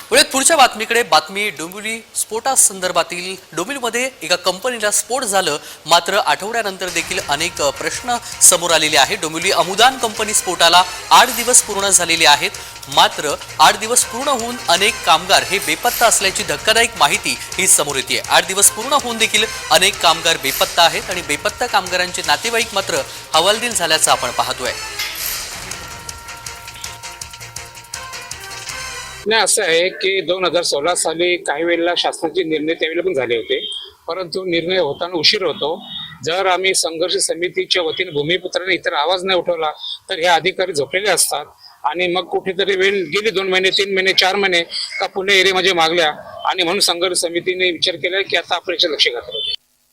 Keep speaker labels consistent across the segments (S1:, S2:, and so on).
S1: पुढे पुढच्या बातमीकडे बातमी डोंबिवली स्फोटासंदर्भातील डोंबिवलीमध्ये एका कंपनीला स्फोट झालं, मात्र आठवड्यानंतर देखील अनेक प्रश्न समोर आलेले आहेत। डोंबिवली अमुदान कंपनी स्फोटाला 8 दिवस पूर्ण झालेले आहेत, मात्र 8 दिवस पूर्ण होऊन अनेक कामगार हे बेपत्ता असल्याची धक्कादायक माहिती ही समोर येते। 8 दिवस पूर्ण होऊन देखील अनेक कामगार बेपत्ता आहेत आणि बेपत्ता कामगारांचे नातेवाईक मात्र हवालदिल झाल्याचं आपण पाहतोय।
S2: नाही, असं आहे की 2016 साली काही वेळेला शासनाचे निर्णय त्यावेळेला पण झाले होते, परंतु निर्णय होताना उशीर होतो। जर आम्ही संघर्ष समितीच्या वतीने भूमिपुत्राने इतर आवाज नाही उठवला तर हे अधिकारी झोपलेले असतात आणि मग कुठेतरी वेळ गेली 2 महिने 3 महिने 4 महिने का पुणे एरियामध्ये मागल्या आणि म्हणून संघर्ष समितीने विचार केला की आता आपण याचं लक्ष घातलं पाहिजे।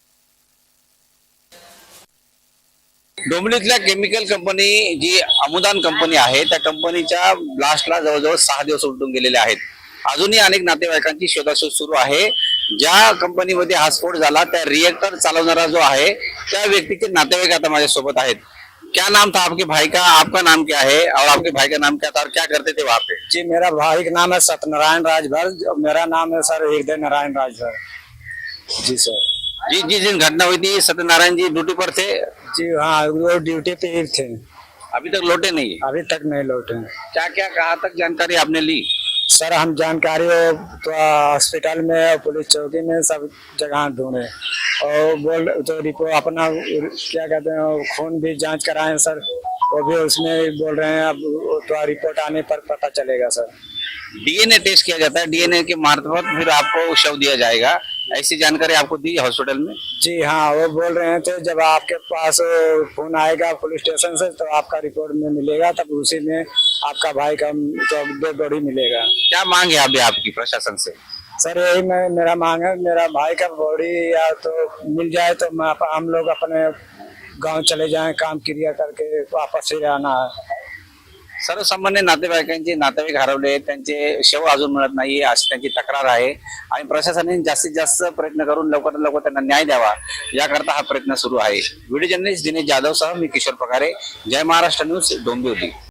S3: डोंबिवलीतल्या केमिकल कंपनी जी अमुदान कंपनी आहे त्या कंपनीच्या ब्लास्टला जवळजवळ 6 दिवस उलटून गेलेले आहेत। अजूनही अनेक नातेवाईकांची शोधाशोध सुरू आहे। ज्या कंपनीमध्ये हा स्फोट झाला त्या रिएक्टर चालवणारा जो आहे त्या व्यक्तीचे नातेवाईक आता माझ्या सोबत आहेत। क्या नाम था आपके भाई का, आपका नाम क्या है और आपके भाई का नाम क्या था और क्या करते थे वहाँ पे?
S4: जी, मेरा भाई का नाम है सत्यनारायण राजभर, मेरा नाम है सर हृदय नारायण राजभर। जी सर।
S3: जी, जिस दिन घटना हुई थी सत्यनारायण जी ड्यूटी पर थे,
S4: जी हाँ, वो ड्यूटी पे ही थे,
S3: अभी तक लौटे नहीं है।
S4: अभी तक नहीं लौटे।
S3: क्या क्या कहाँ तक जानकारी आपने ली?
S4: सर हम जानकारी तो हॉस्पिटल में, पुलिस चौकी में, सब जगह ढूंढे और बोल तो रिपोर्ट अपना क्या कहते हैं खून भी जांच कराए सर, वो भी उसमें बोल रहे हैं अब तो रिपोर्ट आने पर पता चलेगा सर।
S3: डीएनए टेस्ट किया जाता है, डीएनए के मार्फत फिर आपको शव दिया जाएगा, ऐसी जानकारी आपको दी हॉस्पिटल में?
S4: जी हाँ, वो बोल रहे थे जब आपके पास फोन आएगा पुलिस स्टेशन से तो आपका रिपोर्ट में मिलेगा, तब उसी में आपका भाई का तो बॉडी मिलेगा।
S3: क्या मांग है अभी आपकी प्रशासन से?
S4: सर यही मेरा मांग है, मेरा भाई का बॉडी या तो मिल जाए तो हम लोग अपने गांव चले जाएं, काम क्रिया करके वापस ही आना है।
S3: सर्वसामान्य नातेवाईकांचे नातेवाईक हरवले, त्यांचे शव अजून मिळत नाही अशी त्यांची तक्रार आहे आणि प्रशासनाने जास्तीत जास्त प्रयत्न करून लवकरात लवकर त्यांना न्याय द्यावा याकरता हा प्रयत्न सुरू आहे। व्हिडिओ जर्नलिस्ट दिनेश जाधव सह मी किशोर पगारे, जय महाराष्ट्र न्यूज, डोंबिवली।